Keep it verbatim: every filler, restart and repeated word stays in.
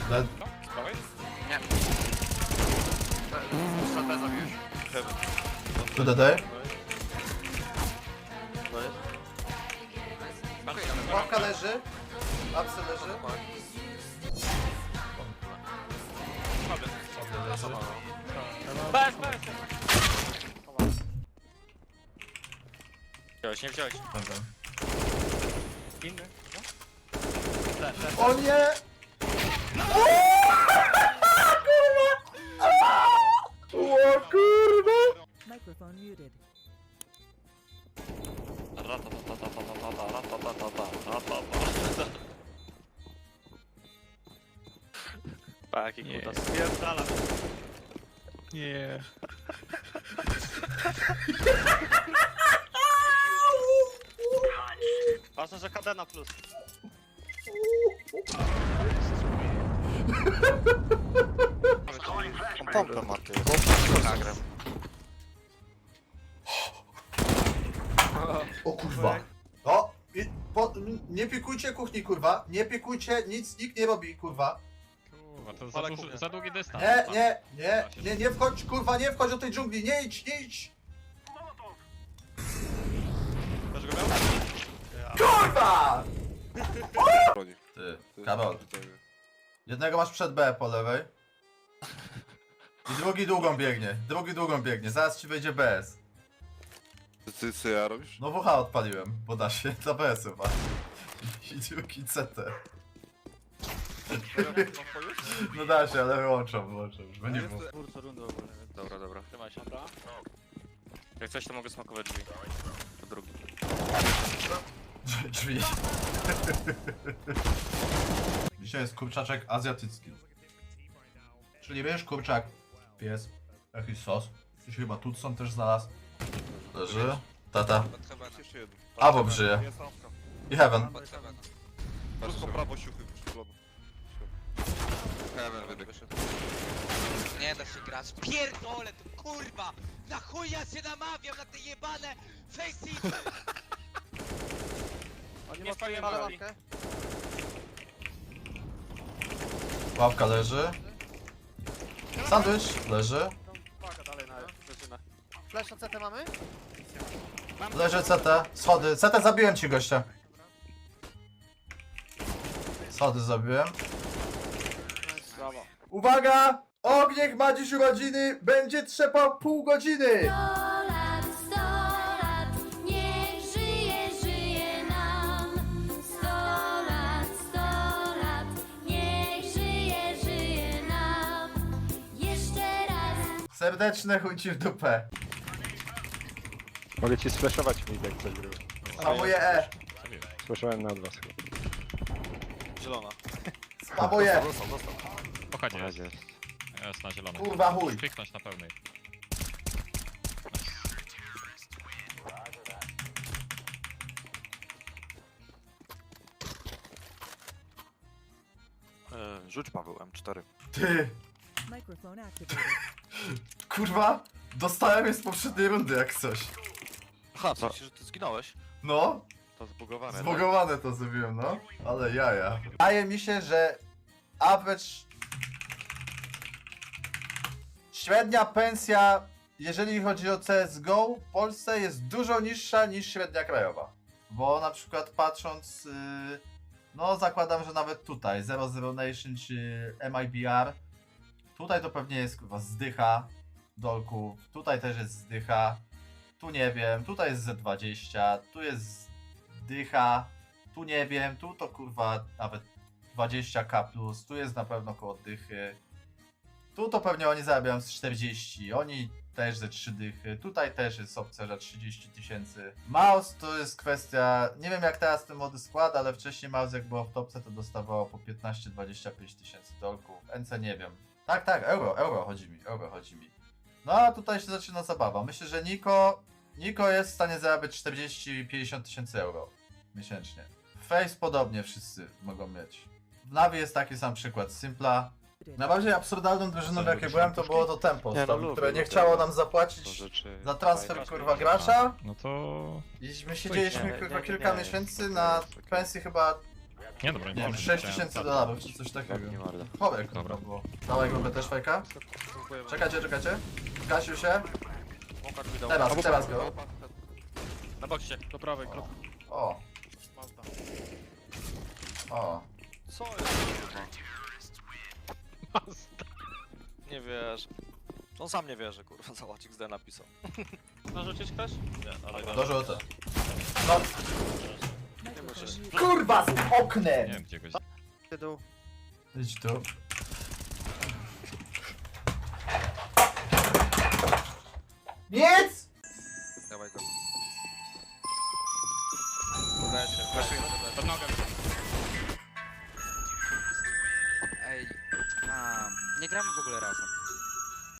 Dead. Spałeś? Nie. Stratę zabiłeś? Tu D D. Łapka leży. Apsy leży. Bez, bez! Wziąłeś, nie wziąłeś. Dobra. Inny? O nie! O kurwa! Microphone muted. Pa, jaki kutas. Spierdala. Nie. Ważne, że K D na plus. Pompę ma ty. Nagram. O kurwa. O! I, po, nie piekujcie kuchni kurwa. Nie piekujcie, nic nikt nie robi kurwa. Kurwa, to za, Ale duży, kuchnia. za długi dystans. Nie, tam. nie, nie, nie, nie wchodź kurwa, nie wchodź do tej dżungli, nie idź, nie idź! Też go miał? Kurwa! Ty, Karol. Jednego masz przed B po lewej. I drugi długą biegnie, drugi długą biegnie, zaraz ci wejdzie B S. Ty co ja robisz? No W H odpaliłem, bo da się, dla B S chyba. I drugi C T. No da się, ale wyłączam, wyłączam, żeby nie było. Kurczę, rundę ogólnie. Dobra, dobra. Trzymaj się. Dobra. Jak coś, to mogę smakować drzwi. To drugi. Drzwi. Dzisiaj jest kurczaczek azjatycki. Czyli wiesz, kurczak, pies, jakiś sos. Gdzieś chyba Tutson też znalazł. Leży. Tata. Jeszcze jeden. Abo żyje. Jest awka. I Heaven. Wszystko prawo siuchy przyszłono. Heaven wybiegł. Nie da się grać. Pierdolę tu, kurwa! Na chuj ja się namawiam na te jebane faceity! Nie spaliłem broni. Ławka leży. Sandwich leży. Paga dalej na wyżynę. Flash na C T mamy? Leży C T. Schody. C T zabiłem ci gościa. Schody zabiłem. Brawo. Uwaga! Ogniech ma dziś urodziny. Będzie trzepał pół godziny. sto lat, sto lat, niech żyje, żyje nam. sto lat, sto lat, niech żyje, żyje nam. Jeszcze raz. Serdeczne chuj ci w dupę. Mogę ci splashować mi jak coś było. Spamuję E. Słyszałem na was chyba. Zielona. Spamuję. Pochodzi Na jest. razie. Jest na zielonej. Kurwa chuj. Kliknąć na pełnej. Yy, rzuć Paweł M cztery. Ty. Microphone activated. Kurwa. Dostałem je z poprzedniej rundy jak coś. Aha, co? Że ty zginąłeś? No. To zbugowane. Zbogowane to zrobiłem, no. Ale jaja. Wydaje mi się, że average... Średnia pensja, jeżeli chodzi o C S G O w Polsce jest dużo niższa niż średnia krajowa. Bo na przykład patrząc, yy, no zakładam, że nawet tutaj zero zero Nation czy M I B R, tutaj to pewnie jest kurwa zdycha dolków, tutaj też jest zdycha, tu nie wiem, tutaj jest Z dwadzieścia, tu jest dycha, tu nie wiem, tu to kurwa nawet dwadzieścia K plus, tu jest na pewno koło dychy. Tu to pewnie oni zarabiają z czterdzieści, oni też ze trzy dychy, tutaj też jest opcja za trzydzieści tysięcy. Mouse to jest kwestia, nie wiem jak teraz ten mody składa, ale wcześniej Mouse jak było w topce to dostawało po piętnaście dwadzieścia pięć tysięcy dolków, N C nie wiem. Tak, tak, euro, euro chodzi mi, euro chodzi mi. No a tutaj się zaczyna zabawa, myślę, że Niko, Niko jest w stanie zarabiać czterdzieści pięćdziesiąt tysięcy euro miesięcznie. Face podobnie wszyscy mogą mieć. W Navi jest taki sam przykład, Simpla. Najbardziej absurdalną drużyną, w jakiej byłem, to było to Tempo, Nie, no tam, lubię, które nie lubię. chciało nam To zapłacić rzeczy... za transfer kurwa gracza. No to... I my siedzieliśmy Nie, kurwa nie, nie, kilka nie, miesięcy nie, na nie, nie. pensji chyba Nie, dobra, Nie wiem, może, sześć chciałem tysięcy tak. dolarów czy coś takiego. Nie mordę. Chowek Dobra. to było. Dawaj go też fajka. Czekajcie, czekajcie. Zgasił się. Smoka drzwi dał. Teraz, teraz go. Na boksie. Do prawej, krok. O. O. Co jest? Nie wierzę. On sam nie wierzy, kurwa, zobacz, X D napisał. Narzucić ktoś? Nie, ale Do rzuta. No. Microphone muted. Kurwa z Nie oknem! wiem, gdzie goś... Dół. Idź tu. Nic!